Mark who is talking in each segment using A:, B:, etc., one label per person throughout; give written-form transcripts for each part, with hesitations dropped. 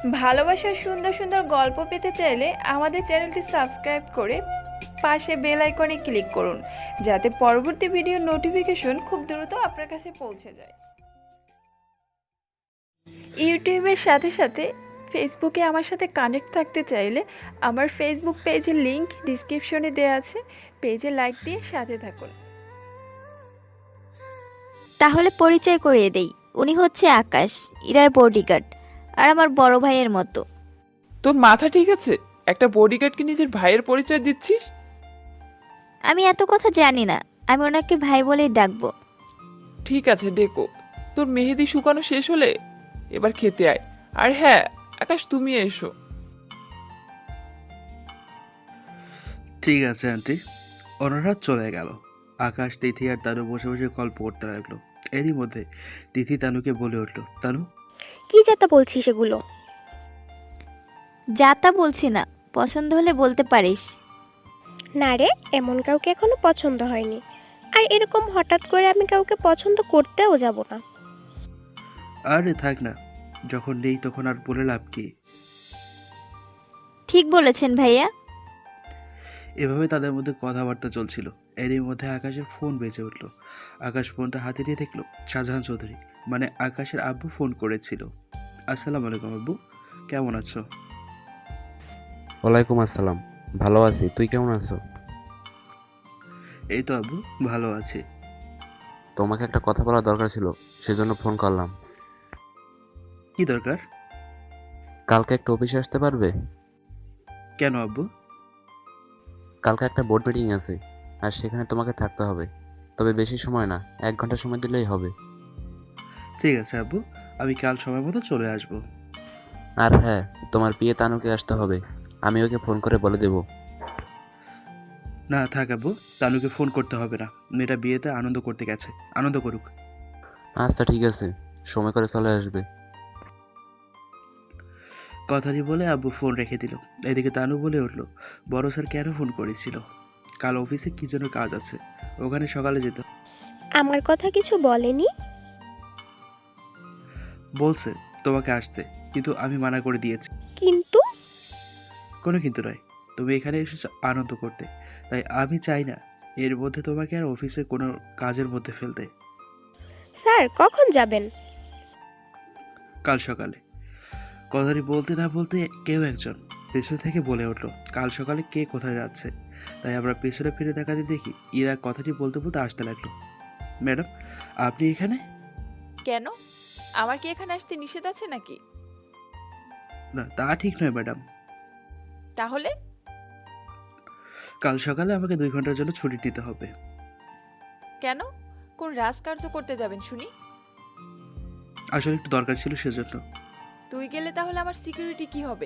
A: ভালোবাসার সুন্দর সুন্দর গল্প পেতে চাইলে আমাদের চ্যানেলটি সাবস্ক্রাইব করে পাশে বেল আইকনে ক্লিক করুন, যাতে পরবর্তী ভিডিওর নোটিফিকেশন খুব দ্রুত আপনার কাছে পৌঁছে যায়। ইউটিউবের সাথে সাথে ফেসবুকে আমার সাথে কানেক্ট থাকতে চাইলে আমার ফেসবুক পেজের লিংক ডিসক্রিপশনে দেওয়া আছে, পেজে লাইক দিয়ে সাথে থাকুন।
B: তাহলে পরিচয় করিয়ে দেই, উনি হচ্ছে আকাশ, ইরার বডিগার্ড, আর আমার বড় ভাইয়ের মতো।
C: তোর মাথা ঠিক আছে? একটা বডিগার্ডকে নিজের ভাইয়ের পরিচয় দিচ্ছিস?
B: আমি এত কথা জানি না, আমি ওনাকে ভাই বলেই ডাকবো।
C: ঠিক আছে, ডেকো। তোর মেহেদি শুকানো শেষ হলে এবার খেতে আয়। আর হ্যাঁ, আকাশ তুমি এসো।
D: ঠিক আছে আন্টি। ওনারা চলে গেল। আকাশ, তিথি আর তানু বসে বসে গল্প করতে লাগলো। এরই মধ্যে তিথি তানুকে বলে উঠলো, তানু
E: কি যাতা বলছিস এগুলো?
B: যা তা বলছি না, পছন্দ হলে বলতে পারিস।
E: না রে, এমন কাউকে এখনো পছন্দ হয়নি। আর এরকম হঠাৎ করে আমি কাউকে পছন্দ করতেও যাব না।
D: আরে থাক না, যখন নেই তখন আর বলে লাভ কি?
B: ঠিক বলেছেন ভাইয়া।
D: এভাবে তাদের মধ্যে কথাবার্তা চলছিল। এরই মধ্যে আকাশের ফোন বেজে উঠলো। আকাশ ফোনটা হাতে নিয়ে দেখলো শাহজাহান চৌধুরী, মানে আকাশের আব্বু ফোন করেছিল। আসসালামু আলাইকুম আব্বু, কেমন আছো?
F: ওয়ালাইকুম আসসালাম, ভালো আছি। তুই কেমন আছো?
D: এই তো আব্বু, ভালো আছি।
F: তোমাকে একটা কথা বলার দরকার ছিল, সেজন্য ফোন করলাম।
D: কি দরকার?
F: কালকে একটা অফিসে আসতে পারবে?
D: কেন আব্বু?
F: কালকে একটা বোর্ড মিটিং আছে, আর সেখানে তোমাকে থাকতে হবে। তবে বেশি সময় না, 1 ঘন্টা সময় দিলেই হবে।
D: ঠিক আছে আব্বু, আমি কাল সময় মতো চলে আসবো।
F: আর হ্যাঁ, তোমার বিয়ে তানুকে আসতে হবে। আমি ওকে ফোন করে বলে দেব।
D: না থাক আব্বু, তানুকে ফোন করতে হবে না। মেয়েটা বিয়েতে আনন্দ করতে গেছে, আনন্দ করুক।
F: আচ্ছা ঠিক আছে, সময় করে চলে আসবে।
D: কথাটি বলে আব্বু ফোন রেখে দিল। এদিকে তানু বলে উঠলো, বড় স্যার কেন ফোন করেছিল? কাল অফিসে কি যেন কাজ আছে, ওখানে সকালে যেতে হবে।
E: আমার কথা কিছু বলেনি?
D: বলছে তোমাকে আসতে, কিন্তু আমি মানা করে দিয়েছি।
E: কিন্তু
D: কোনো কিন্তু নয়, তুমি এখানে এসেছো আনন্দ করতে, তাই আমি চাই না এর মধ্যে তোমাকে আর অফিসে কোনো কাজের মধ্যে ফেলতে।
E: স্যার কখন যাবেন?
D: কাল সকালে। কথাটি বলতে না বলতে কেউ একজন পেছন থেকে বলে উঠলো, কাল সকালে কে কোথায় যাচ্ছে? তাই আমরা পেছনে ফিরে তাকাতে দেখি ইরা কথাটি বলতে বলতে আসতে লাগলো। ম্যাডাম, আপনি এখানে?
A: কেন, আমার কি এখানে আসতে নিষেধ আছে নাকি?
D: না, তা ঠিক নয় ম্যাডাম।
A: তাহলে
D: কাল সকালে আমাকে 2 ঘন্টার জন্য ছুটি নিতে হবে।
A: কেন, কোন রাজকার্য করতে যাবেন শুনি?
D: আসলে একটু দরকার ছিল, সেজন্য।
A: তুই গেলে তাহলে আমার সিকিউরিটি কি হবে?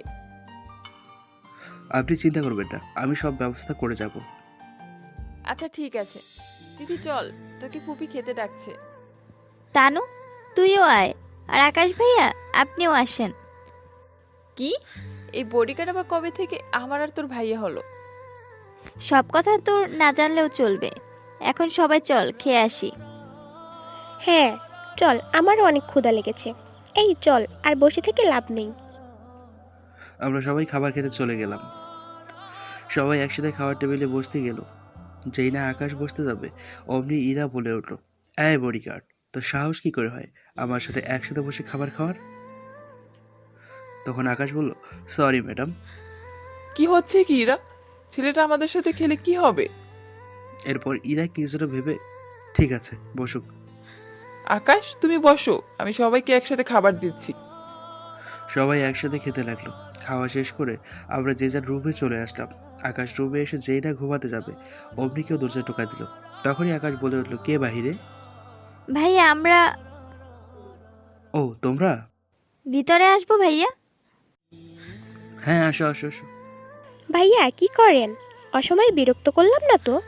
D: আপনি চিন্তা করবেন না, আমি সব ব্যবস্থা করে যাব।
A: আচ্ছা ঠিক আছে, দিদি চল, তোকে ফুপি খেতে ডাকছে।
B: তানু, তুইও আয়। আর আকাশ ভাইয়া, আপনিও আসেন।
A: কি, এই বডিগার্ড আবার কবে থেকে আমার আর তোর ভাইয়া হলো?
B: সব কথা তোর না জানলেও চলবে। এখন সবাই চল খেয়ে আসি।
E: হ্যাঁ চল, আমারও অনেক ক্ষুধা লেগেছে। এই চল, আর বসে থেকে লাভ নেই।
D: আমরা সবাই খাবার খেতে চলে গেলাম। সবাই একসাথে খাওয়ার টেবিলে বসতে গেল। যেই না আকাশ বসতে যাবে, অমনি ইরা বলে উঠলো, এই বডিগার্ড, তো সাহস কি করে হয় আমার সাথে একসাথে বসে খাবার খাওয়ার? তখন আকাশ বলল, সরি ম্যাডাম।
C: কি হচ্ছে কি ইরা? ছেলেটা আমাদের সাথে খেলে কি হবে?
D: এরপর ইরা কিছুটা ভেবে, ঠিক আছে বসুক।
C: আকাশ তুমি বসো, আমি সবাইকে একসাথে খাবার দিচ্ছি।
D: সবাই একসাথে খেতে লাগলো। খাওয়া শেষ করে আমরা যে যার রুমে চলে আসলাম। আকাশ রুমে এসে যেই না ঘুমাতে যাবে, অমনি কেউ দরজা টোকা দিল। তখনই আকাশ বলে উঠলো, কে বাহিরে?
B: ভাইয়া আমরা
D: ও তোমরা?
B: ভিতরে আসবো ভাইয়া।
D: হ্যাঁ আসো আসো আসো।
E: ভাইয়া কি করেন? অসময়ে বিরক্ত করলাম না তো?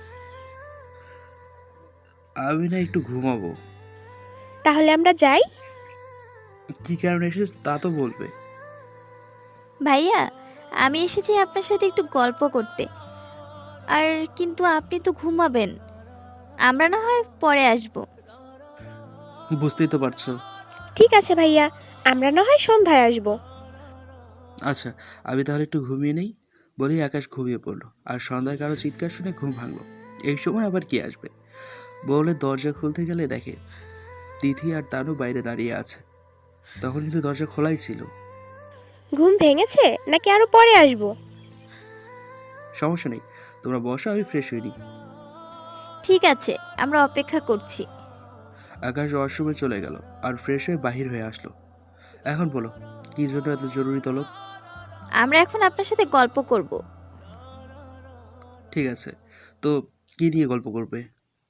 D: আমি না একটু ঘুমাবো।
E: তাহলে আমরা যাই।
D: কি কারণে এসেছ তা তো বলবে।
B: ভাইয়া, আমি এসেছি আপনার সাথে একটু গল্প করতে। আর কিন্তু আপনি তো ঘুমাবেন, আমরা না হয় পরে আসবো।
D: বুঝতেই তো পারছো।
E: ঠিক আছে ভাইয়া, আমরা না হয় সন্ধ্যায় আসবো।
D: আচ্ছা, আমি তাহলে একটু ঘুমিয়ে নেই বলেই আকাশ ঘুমিয়ে পড়লো। আর সন্ধ্যায় কারো চিৎকার শুনে ঘুম ভাঙলো। এই সময় আবার কি আসবে বলে দরজা খুলতে গেলে দেখে তিথি আর তানু বাইরে দাঁড়িয়ে আছে। তখন কিন্তু দরজা খোলাই ছিল।
E: ঘুম ভেঙেছে নাকি আরো পরে আসবো?
D: সমস্যা নেই, তোমরা বসো, আমি ফ্রেশ হইনি।
B: ঠিক আছে, আমরা অপেক্ষা করছি।
D: আকাশ ওয়াশরুমে চলে গেল আর ফ্রেশ হয়ে বাহির হয়ে আসলো। এখন বলো, কি জন্য এত জরুরি তলব?
B: আমরা এখন আপনার সাথে গল্প করব।
D: ঠিক আছে, তো কি নিয়ে গল্প করবে?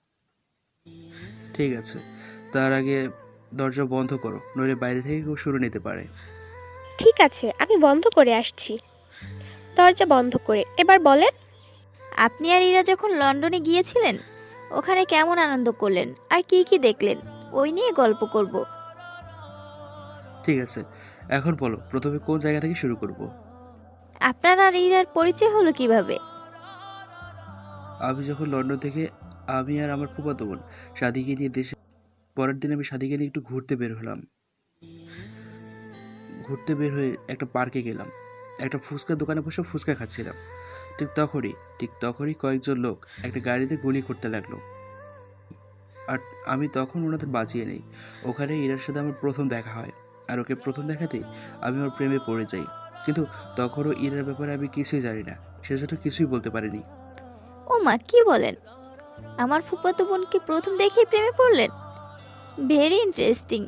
D: ঠিক আছে, তার আগে দরজা বন্ধ করো, নইলে বাইরে থেকে কেউ শুনে নিতে পারে।
E: ঠিক আছে, আমি বন্ধ করে আসছি। দরজা বন্ধ করে এবার বলেন।
B: আপনি আর ইরা যখন লন্ডনে গিয়েছিলেন, ওখানে কেমন আনন্দ করলেন আর কি কি দেখলেন, ওই নিয়ে গল্প করব।
D: ঠিক আছে, এখন বলো প্রথমে কোন জায়গা থেকে শুরু করব?
B: আপনার আর ইরার পরিচয় হলো কিভাবে?
D: আমি যখন লন্ডন থেকে আমি আর আমার ফুফাতো বোন সাদিকে নিয়ে দেশে, পরের দিন আমি সাদিকে নিয়ে একটু ঘুরতে বের হলাম। ঘুরতে বের হয়ে একটা পার্কে গেলাম। একটা ফুচকার দোকানে বসে ফুচকা খাচ্ছিলাম। ঠিক তখনই কয়েকজন লোক একটা গাড়িতে গুলি করতে লাগলো। আর আমি তখন ওনাদের বাঁচিয়ে নেই। ওখানে ইরার সাথে আমার প্রথম দেখা হয়। আর ওকে প্রথম দেখাতেই আমি ওর প্রেমে পড়ে যাই। কিন্তু তখনও ইরার ব্যাপারে আমি কিছুই জানি না, সেজন্য কিছুই বলতে পারিনি।
B: ও মা, কি বলেন? আমার ফুফাতো বোনকে প্রথম দেখেই প্রেমে পড়লেন? Very interesting.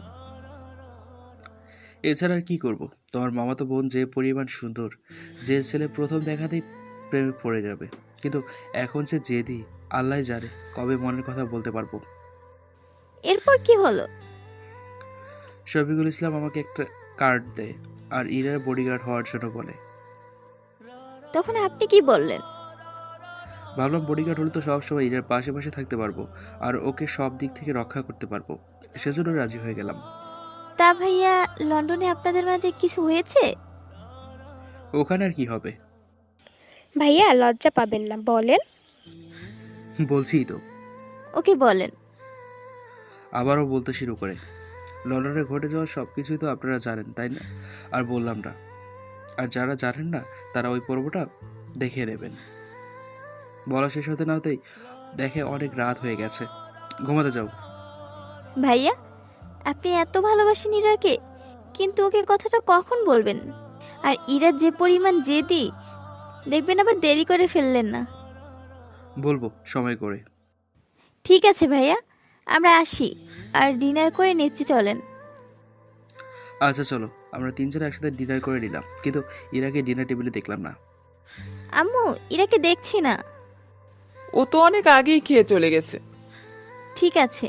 D: এছাড়া আর কি করব? তোমার মামাতো বোন যে পরিমাণ সুন্দর, যে ছেলে প্রথম দেখাতেই প্রেমে পড়ে যাবে। কিন্তু এখন সে জেদি, আল্লাহ জানে কবে মনের কথা বলতে পারবো।
B: এরপর কি হলো?
D: শফিকুল ইসলাম আমাকে একটা কার্ড দেয় আর ইরার বডিগার্ড হওয়ার জন্য বলে।
B: তখন আপনি কি বললেন?
D: ভাবলাম বডিগার্ড হলে তো সবসময় ইরার পাশে পাশে থাকতে পারবো আর ওকে সব দিক থেকে রক্ষা করতে পারবো। সেজন্য রাজি হয়ে গেলাম।
B: তা ভাইয়া, লন্ডনে আপনাদের মাঝে কিছু হয়েছে?
D: ওখানে আর কি হবে?
E: ভাইয়া লজ্জা পাবেন না, বলেন।
D: বলছিই তো।
B: ওকে বলেন।
D: আবারও বলতে শুরু করে, লন্ডনে ঘটে যাওয়া সব কিছুই তো আপনারা জানেন, তাই না? আর বললাম না। আর যারা জানেন না তারা ওই পর্বটা দেখে নেবেন। বলা শেষ হতে না হতেই দেখে অনেক রাত হয়ে গেছে, ঘুমাতে যাও।
B: ভাইয়া, আপনি এত ভালোবাসেন ইরাকে, কিন্তু ওকে কথাটা কখন বলবেন? আর ইরা যে পরিমাণ জেদি, দেখবেন আবার দেরি করে ফেললেন না।
D: বলবো সময় করে।
B: ঠিক আছে ভাইয়া, আমরা আসি। আর ডিনার করে নিচ্ছি, চলেন।
D: আচ্ছা চলো, আমরা তিনজনে একসাথে ডিনার করে নিলাম, কিন্তু ইরাকে ডিনার টেবিলে দেখলাম না।
B: আম্মু, ইরাকে দেখছি না।
C: ও তো অনেক আগেই খেয়ে চলে গেছে।
B: ঠিক আছে।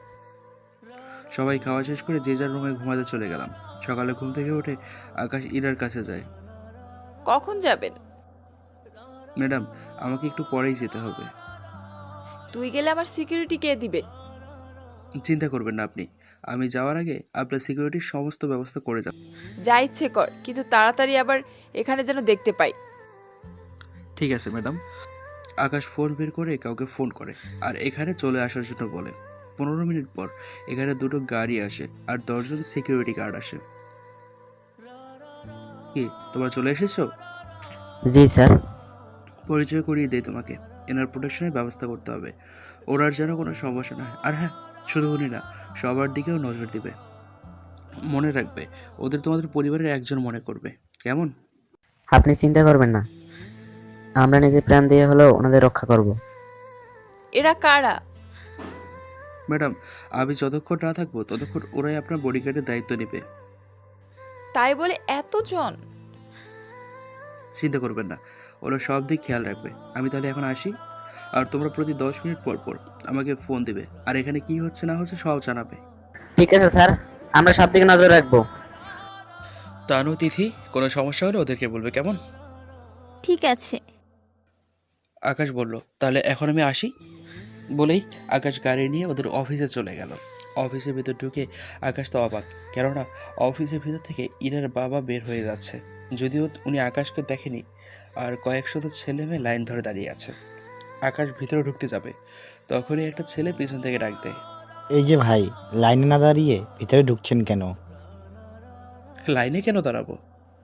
D: সবাই খাওয়া শেষ করে যে যার রুমে ঘুমাতে চলে গেলাম। সকালে ঘুম থেকে উঠে আকাশ ইরার কাছে যায়।
A: কখন যাবেন?
D: ম্যাডাম, আমাকে একটু পরেই যেতে হবে।
A: তুই গেলে আমার সিকিউরিটি কে দিবে?
D: চিন্তা করবেন না আপনি, আমি যাওয়ার আগে আপনার সিকিউরিটির সমস্ত ব্যবস্থা করে যাব।
A: যা ইচ্ছে কর, কিন্তু তাড়াতাড়ি আবার এখানে যেন দেখতে পাই।
D: ঠিক আছে ম্যাডাম। আকাশ ফোন বের করে কাউকে ফোন করে আর এখানে চলে আসার জন্য বলে। 15 মিনিট পর এখানে দুটো গাড়ি আসে আর 10 জন সিকিউরিটি গার্ড আসে। কি তোমরা চলে এসেছো?
G: জি স্যার।
D: পরিচয় করিয়ে দেই তোমাকে। এনার প্রোটেকশনের ব্যবস্থা করতে হবে, ওনার যেন কোনো সমস্যা না হয়। আর হ্যাঁ, শুধু উনি না, সবার দিকেও নজর দিবে। মনে রাখবে, ওদের তোমাদের পরিবারের একজন মনে করবে, কেমন?
G: আপনি চিন্তা করবেন না, আমরা নিজে প্রাণ দিয়ে হলেও ওনাদের রক্ষা করব।
A: এরা কারা?
D: ম্যাডাম, আমি যতক্ষণ না থাকবো ততক্ষণ ওরাই আপনার বডিগার্ডের দায়িত্ব নেবে।
A: তাই বলে এতজন?
D: চিন্তা করবেন না, ওরা সব দিক খেয়াল রাখবে। আমি তাহলে এখন আসি। আর তোমরা প্রতি 10 মিনিট পর পর আমাকে ফোন দিবে আর এখানে কি হচ্ছে না হচ্ছে সব জানাবে।
G: ঠিক আছে স্যার, আমরা সব দিকে নজর রাখবো।
D: তানু, তিথি, কোনো সমস্যা হলে ওদেরকে বলবে, কেমন?
B: ঠিক আছে।
D: আকাশ বলল, তাহলে এখন আমি আসি। বলেই আকাশ গাড়ি নিয়ে ওদের অফিসে চলে গেল। অফিসের ভিতর ঢুকে আকাশ তো অবাক, কেননা অফিসের ভিতর থেকে ইরার বাবা বের হয়ে যাচ্ছে। যদিও উনি আকাশকে দেখেনি, আর কয়েকশত ছেলে মেয়ে লাইন ধরে দাঁড়িয়ে আছে। আকাশ ভিতরে ঢুকতে যাবে, তখনই একটা ছেলে পিছন থেকে ডাক দেয়।
H: এই যে ভাই, লাইনে না দাঁড়িয়ে ভিতরে ঢুকছেন কেন?
D: লাইনে কেন দাঁড়াবো?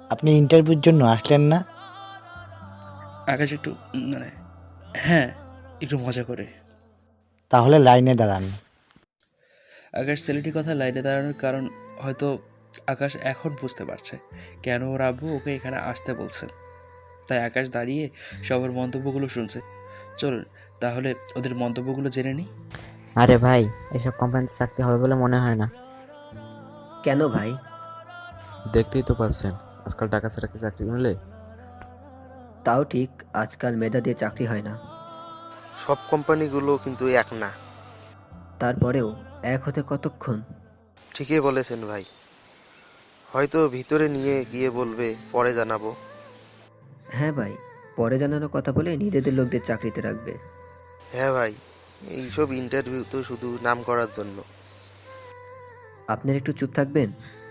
H: আপনি ইন্টারভিউর জন্য আসলেন না?
D: আকাশ একটু মানে হ্যাঁ, একটু মজা করে।
H: তাহলে লাইনে দাঁড়ান।
D: আকাশ ছেলেটির কথা লাইনে দাঁড়ানোর কারণ হয়তো আকাশ এখন বুঝতে পারছে কেন ওর আব্বু ওকে এখানে আসতে বলছে। তাই আকাশ দাঁড়িয়ে সবার মন্তব্যগুলো শুনছে। চলুন তাহলে ওদের মন্তব্যগুলো জেনে নিই।
G: আরে ভাই, এসব কোম্পানিতে চাকরি হবে বলে মনে হয় না।
I: কেন ভাই?
F: দেখতেই তো পাচ্ছেন আজকাল টাকা ছাড়া কি চাকরি মিলে?
I: তাও ঠিক, আজকাল মেধা দিয়ে চাকরি হয় না।
J: সব কোম্পানিগুলো কিন্তু এক না।
I: তারপরেও এক হতে কতক্ষণ?
J: ঠিকই বলেছেন ভাই, হয়তো ভিতরে নিয়ে গিয়ে বলবে পরে জানাবো।
I: হ্যাঁ ভাই, পরে জানানোর কথা বলে নিজেদের লোকদের চাকরিতে রাখবে।
J: হ্যাঁ ভাই, এইসব ইন্টারভিউ তো শুধু নাম করার জন্য।
I: আপনার একটু চুপ থাকবেন?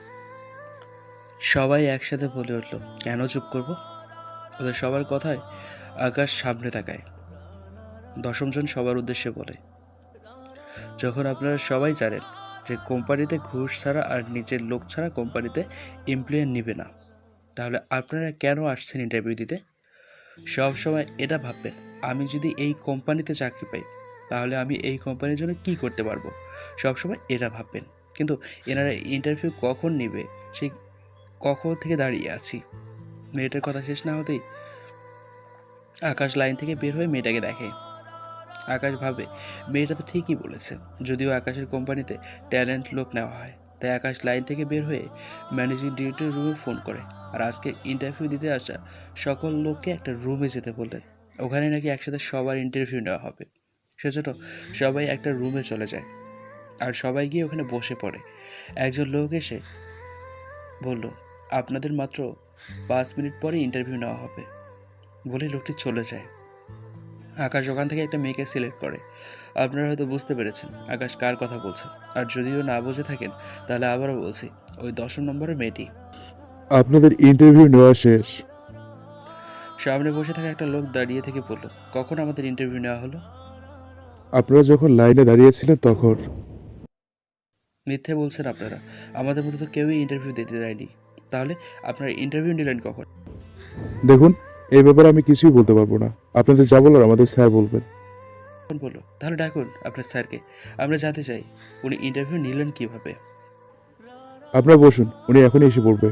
D: সবাই একসাথে বলে উঠল, কেন চুপ করব? ওদের সবার কথায় আকাশ সামনে তাকায়। দশমজন সবার উদ্দেশ্যে বলে, যখন আপনারা সবাই জানেন যে কোম্পানিতে ঘুষ ছাড়া আর নিজের লোক ছাড়া কোম্পানিতে এমপ্লয়ি নেবে না, তাহলে আপনারা কেন আসছেন ইন্টারভিউ দিতে? সব সময় এটা ভাববেন, আমি যদি এই কোম্পানিতে চাকরি পাই তাহলে আমি এই কোম্পানির জন্য কি করতে পারবো। সবসময় এটা ভাববেন। কিন্তু এনারা ইন্টারভিউ কখন নেবে সেই কখন থেকে দাঁড়িয়ে আছি। মেয়েটার কথা শেষ না হতেই আকাশ লাইন থেকে বের হয়ে মেয়েটাকে দেখে। আকাশ ভাবে মেয়েটা তো ঠিকই বলেছে, যদিও আকাশের কোম্পানিতে ট্যালেন্ট লোক নেওয়া হয়। তাই আকাশ লাইন থেকে বের হয়ে ম্যানেজিং ডিরেক্টরের রুমে ফোন করে আর আজকে ইন্টারভিউ দিতে আসা সকল লোককে একটা রুমে যেতে বললেন। ওখানে নাকি একসাথে সবার ইন্টারভিউ নেওয়া হবে। সেজন্য সবাই একটা রুমে চলে যায় আর সবাই গিয়ে ওখানে বসে পড়ে। একজন লোক এসে বলল, আপনাদের মাত্র 5 মিনিট পরে ইন্টারভিউ নেওয়া হবে বলে লোকটি চলে যায়। আকাশ ওখান থেকে একটা মেয়েকে সিলেক্ট করে। আপনারা হয়তো বুঝতে পেরেছেন আকাশ কার কথা বলছে, আর যদিও না বুঝে থাকেন তাহলে আবারও বলছি, ওই 10 নম্বরের মেয়েটি।
K: আপনাদের ইন্টারভিউ নেওয়া শেষ।
D: সামনে বসে থাকা একটা লোক দাঁড়িয়ে থেকে বলল, কখন আমাদের ইন্টারভিউ নেওয়া হলো?
K: আপনারা যখন লাইনে দাঁড়িয়েছিলেন তখন।
D: মিথ্যে বলছেন আপনারা, আমাদের মধ্যে তো কেউই ইন্টারভিউ দিতে যায়নি। তাহলে আপনারা ইন্টারভিউ নিলেন কখন?
K: দেখুন, এই ব্যাপারে আমি কিছুই বলতে পারবো না। আপনাদের যা বলার আমাদের স্যার বলবেন।
D: বললো, তাহলে ডাকুন আপনার স্যারকে, আমরা জানতে চাই উনি ইন্টারভিউ নিলেন কিভাবে।
K: আপনারা বসুন, উনি এখনই এসে পড়বে।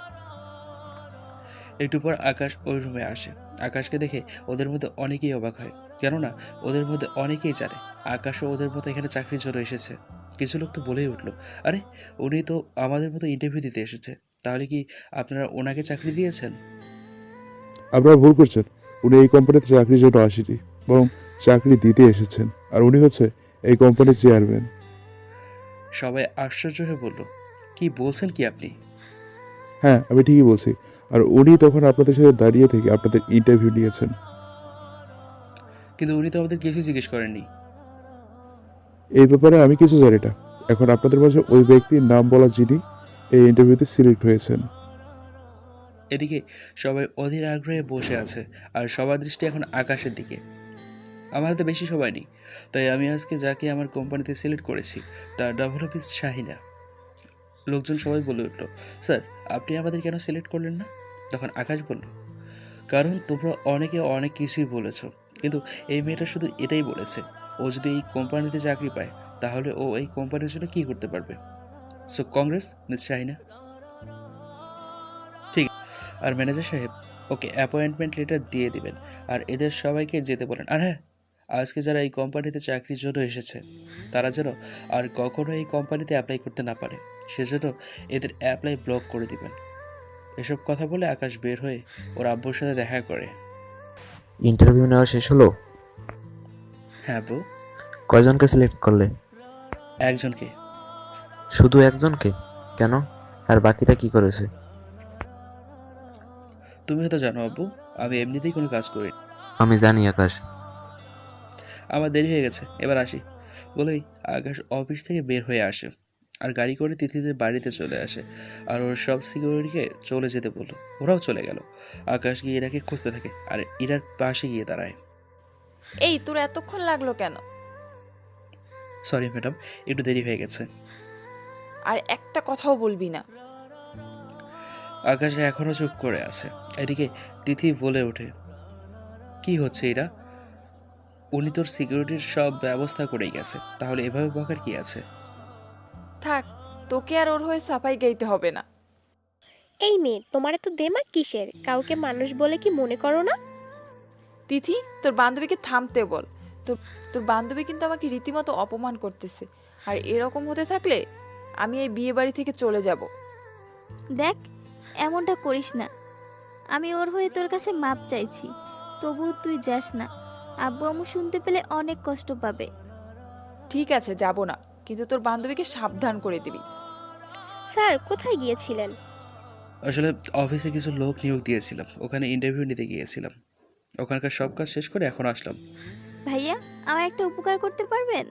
D: একটু পর আকাশ ওই রুমে আসে। আকাশকে দেখে ওদের মধ্যে অনেকেই অবাক হয়, কেননা ওদের মধ্যে অনেকেই জানে আকাশও ওদের মতো এখানে চাকরির জন্য এসেছে। কিছু লোক তো বলেই উঠলো, আরে উনি তো আমাদের মতো ইন্টারভিউ দিতে এসেছে, তাহলে কি আপনারা ওনাকে চাকরি দিয়েছেন?
K: আপনারা ভুল করছেন, উনি এই কোম্পানিতে চাকরির জন্য আসেনি, বরং চাকরি দিতে এসেছেন। আর উনি হচ্ছে এই কোম্পানির চেয়ারম্যান।
D: সবাই আশ্চর্য হয়ে বলল, কি বলছেন কি আপনি?
K: হ্যাঁ, আমি ঠিকই বলছি। আর উনি তখন আপনাদের সাথে দাঁড়িয়ে থেকে আপনাদের ইন্টারভিউ নিয়েছেন।
D: কিন্তু উনি তো আমাদের কিছু জিজ্ঞেস করেননি।
K: এই ব্যাপারে আমি কিছু জানি না। এখন আপনাদের মাঝে ওই ব্যক্তির নাম বলা যিনি এই ইন্টারভিউতে সিলেক্ট হয়েছেন।
D: এদিকে সবাই অধীর আগ্রহে বসে আছে আর সবার দৃষ্টি এখন আকাশের দিকে। আমার হাতে বেশি সময় নেই, তাই আমি আজকে যাকে আমার কোম্পানিতে সিলেক্ট করেছি তার নাম হলো মিস শাহিনা। লোকজন সবাই বলে উঠল, স্যার আপনি আমাদের কেন সিলেক্ট করলেন না? তখন আকাশ বলল, কারণ তোমরা অনেকে অনেক কিছুই বলেছ, কিন্তু এই মেয়েটা শুধু এটাই বলেছে, ও যদি এই কোম্পানিতে চাকরি পায় তাহলে ও এই কোম্পানির জন্য কী করতে পারবে। So congrats Miss Shahina. ঠিক, আর ম্যানেজার সাহেব ওকে অ্যাপয়েন্টমেন্ট লেটার দিয়ে দিবেন আর এদের সবাইকে যেতে বলেন। আর হ্যাঁ, আজকে যারা এই কোম্পানিতে চাকরির জন্য এসেছে তারা যেন আর কখনো এই কোম্পানিতে অ্যাপ্লাই করতে না পারে, সেজন্য এদের অ্যাপ্লাই ব্লক করে দিবেন। এসব কথা বলে আকাশ বের হয়ে ওর আব্বুর সাথে দেখা করে।
F: ইন্টারভিউ নেওয়া শেষ হলো?
D: হ্যাঁ বউ।
F: কয়জনকে সিলেক্ট করলে?
D: একজনকে।
F: শুধু একজনকে? কেন? আর বাকিটা কি করেছে?
D: তুমি হয়তো জানো আব্বু, আমি এমনিতেই কোনো কাজ করি না।
F: আমি জানি আকাশ।
D: আমার দেরি হয়ে গেছে, এবার আসি বলেই আকাশ অফিস থেকে বের হয়ে আসে আর গাড়ি করে তিথিদের বাড়িতে চলে আসে আর ওর সব সিকিউরিটিকে চলে যেতে বললো। ওরাও চলে গেল। আকাশ গিয়ে ইরাকে খুঁজতে থাকে আর ইরার পাশে গিয়ে দাঁড়ায়।
A: এই তোর এতক্ষণ লাগলো কেন?
D: সরি ম্যাডাম, একটু দেরি হয়ে গেছে।
A: আর একটা কথাও বলবি না।
D: আকাশে এখনো চুপ করে আছে। এদিকে তিথি বলে ওঠে, কি হচ্ছে এরা? উনি তোর সিকিউরিটির সব ব্যবস্থা করেই গেছে, তাহলে এভাবে বকার কি আছে?
A: থাক, তোকে আর ওর হয়ে সাফাই গাইতে হবে না।
E: এই মেয়ে, তোমার এত দেমাগ কিসের? কাউকে মানুষ বলে কি মনে করো না?
A: তিথি, তোর বান্ধবীকে থামতে বল। তোর তোর বান্ধবী কিন্তু আমাকে রীতিমতো অপমান করতেছে, আর এরকম হতে থাকলে আমি এই বিয়ে বাড়ি থেকে চলে যাব।
B: দেখ, এমনটা করিস না। আমি ওর হয়ে তোর কাছে মাপ চাইছি, তবুও তুই যাস না। আব্বু আম্মু শুনতে পেলে অনেক কষ্ট পাবে।
A: ঠিক আছে, যাব না, কিন্তু তোর বান্ধবীকে সাবধান করে দিবি।
E: স্যার, কোথায় গিয়েছিলেন?
D: আসলে অফিসে কিছু লোক নিয়োগ দিয়েছিলাম, ওখানে ইন্টারভিউ নিতে গিয়েছিলাম। ওখানকার সব কাজ শেষ করে এখন আসলাম।
B: ভাইয়া, আমার একটা উপকার করতে পারবেন?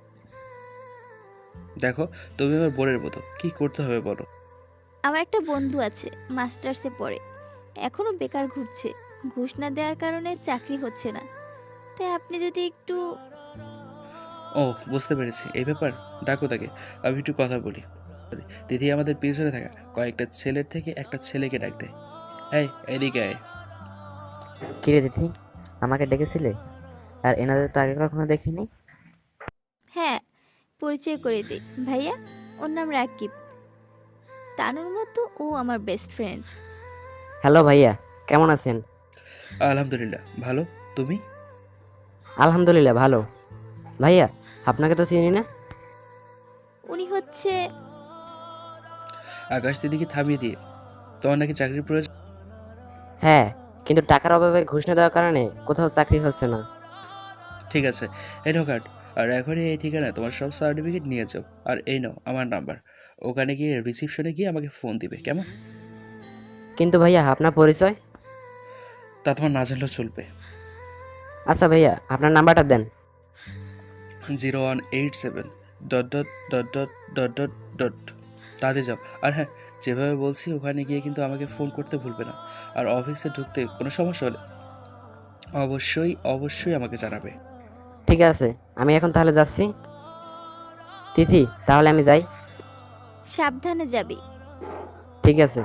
D: দেখো, তুমি আমার বোনের মতো, কি করতে হবে বলো।
B: আমার একটা বন্ধু আছে, মাস্টার্সে পড়ে, এখনো বেকার ঘুরছে। ঘুষ না দেওয়ার কারণে চাকরি হচ্ছে না। তাই আপনি যদি একটু...
D: ও, বুঝতে পেরেছি, এই ব্যাপার। ডাকো তাকে, আমি একটু কথা বলি। দিদি আমাদের পিছনে থাকা কয়েকটা ছেলের থেকে একটা ছেলেকে ডাক দেয়। এই, এদিকে আয়।
G: কিরে দিদি, আমাকে ডেকেছিলে? আর এনাদের তো আগে কখনো দেখিনি।
B: হ্যাঁ, পরিচয় করে দিই। ভাইয়া, ওর নাম রাকিব। তানুর মতো ও আমার বেস্ট ফ্রেন্ড।
G: হ্যালো ভাইয়া, কেমন আছেন?
D: আলহামদুলিল্লাহ ভালো, তুমি?
G: আলহামদুলিল্লাহ ভালো। ভাইয়া, আপনাকে তো চিনি না।
B: উনি হচ্ছে...
D: আকাশ দিদিকে থামিয়ে দিয়ে, তোমার নাকি চাকরির প্রয়োজন?
G: হ্যাঁ, কিন্তু টাকার অভাবে ঘুষ না দেওয়ার কারণে কোথাও চাকরি হচ্ছে না।
D: ঠিক আছে, এই নাও কার্ড, আর এখনই এই ঠিকানায় তোমার সব সার্টিফিকেট নিয়ে যাও। আর এই নাও আমার নাম্বার, ওখানে গিয়ে রিসিপশনে গিয়ে আমাকে ফোন দিবে, কেমন?
G: কিন্তু ভাইয়া, আপনার পরিচয়?
D: তা তোমার না জানলেও চলবে।
G: আচ্ছা ভাইয়া, আপনার নাম্বারটা দেন।
D: 0187 dot dot dot dot dot dot dot. তাতে যাও। আর হ্যাঁ, যেভাবে বলছি ওখানে গিয়ে কিন্তু আমাকে ফোন করতে ভুলবে না। আর অফিসে ঢুকতে কোনো সমস্যা হলে অবশ্যই অবশ্যই আমাকে জানাবে।
G: ঠিক আছে, আমি এখন তাহলে যাচ্ছি। তিথি, তাহলে আমি যাই।
B: সাবধানে যাবি।
G: ঠিক আছে।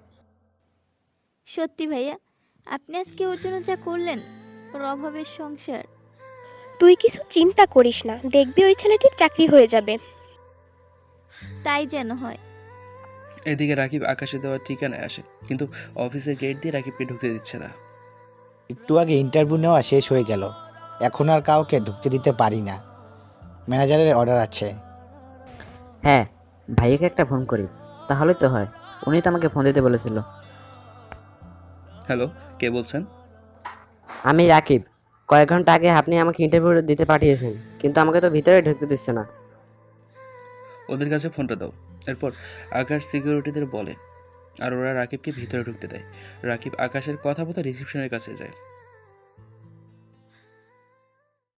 B: সত্যি ভাইয়া, আপনি আজকে ওর জন্য যা করলেন, ওর অভাবের সংসার।
E: তুই কিছু চিন্তা করিস না, দেখবি ওই ছেলেটির চাকরি হয়ে যাবে।
B: তাই যেন হয়।
D: এদিকে রাকিব আকাশে দেওয়ার ঠিকানায় আসে, কিন্তু অফিসের গেট দিয়ে রাকিবকে ঢুকতে দিচ্ছে না।
H: একটু আগে ইন্টারভিউ নেওয়া শেষ হয়ে গেল, এখন আর কাউকে ঢুকতে দিতে পারি না, ম্যানেজারের অর্ডার আছে।
G: হ্যাঁ, ভাইয়াকে একটা ফোন করি, তাহলে তো হয়। উনি তো আমাকে ফোন দিতে বলেছিল।
D: হ্যালো, কে বলছেন?
G: আমি রাকিব। কয়েক ঘন্টা আগে আপনি আমাকে ইন্টারভিউ দিতে পাঠিয়েছেন, কিন্তু আমাকে তো ভিতরে ঢুকতে দিচ্ছে না।
D: ওদের কাছে ফোনটা দাও। এরপর আকাশ সিকিউরিটিদের বলে, আর ওরা রাকিবকে ভিতরে ঢুকতে দেয়। রাকিব আকাশের কথা মতো রিসেপশনের কাছে যায়।